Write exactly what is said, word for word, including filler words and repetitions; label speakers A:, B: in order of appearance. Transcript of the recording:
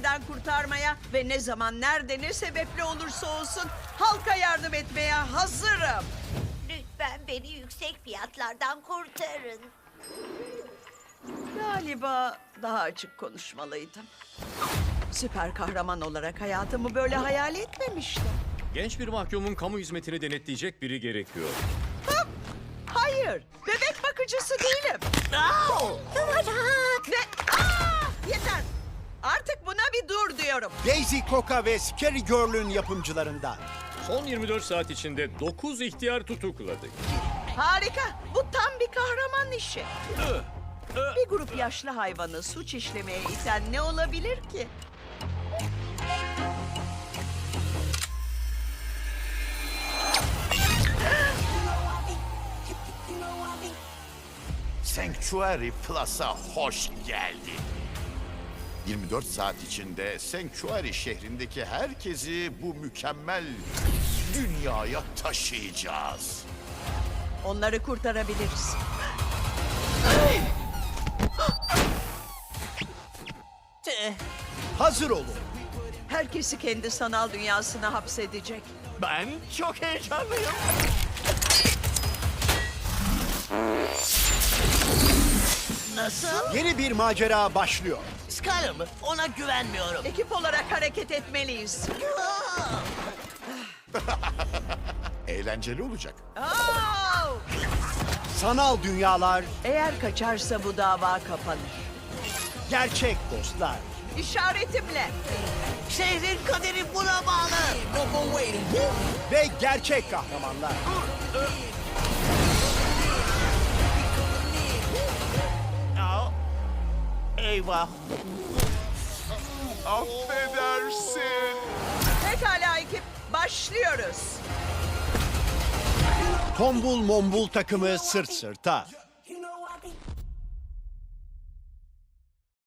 A: tehlikeden kurtarmaya ve ne zaman, nerede, ne sebeple olursa olsun halka yardım etmeye hazırım.
B: Lütfen beni yüksek fiyatlardan kurtarın.
A: Galiba daha açık konuşmalıydım. Süper kahraman olarak hayatımı böyle hayal etmemiştim.
C: Genç bir mahkumun kamu hizmetini denetleyecek biri gerekiyor.
A: Hop! Hayır, bebek bakıcısı değilim. Ve Aa! Yeter. Artık buna bir dur diyorum.
D: Daisy Coca ve Scary Girl'ün yapımcılarından.
C: Son yirmi dört saat içinde dokuz ihtiyar tutukladık.
A: Harika. Bu tam bir kahraman işi. Bir grup yaşlı hayvanı suç işlemeye iten ne olabilir ki?
E: Sanctuary Plus'a hoş geldin. yirmi dört saat içinde Sanctuary şehrindeki herkesi bu mükemmel dünyaya taşıyacağız.
A: Onları kurtarabiliriz.
D: Hazır olun.
A: Herkesi kendi sanal dünyasına hapsedecek.
F: Ben çok heyecanlıyım. Nasıl?
D: Yeni bir macera başlıyor.
F: Skyler mı? Ona güvenmiyorum.
A: Ekip olarak hareket etmeliyiz.
E: Eğlenceli olacak.
A: Oo!
D: Sanal dünyalar,
A: Eğer kaçarsa bu dava kapanır.
D: gerçek dostlar.
A: İşaretimle.
F: Şehrin kaderi buna bağlı.
D: Ve gerçek kahramanlar.
F: Aa, eyvah.
E: Affedersin.
A: Pekala ekip, başlıyoruz.
D: Tombul mombul takımı sırt sırta.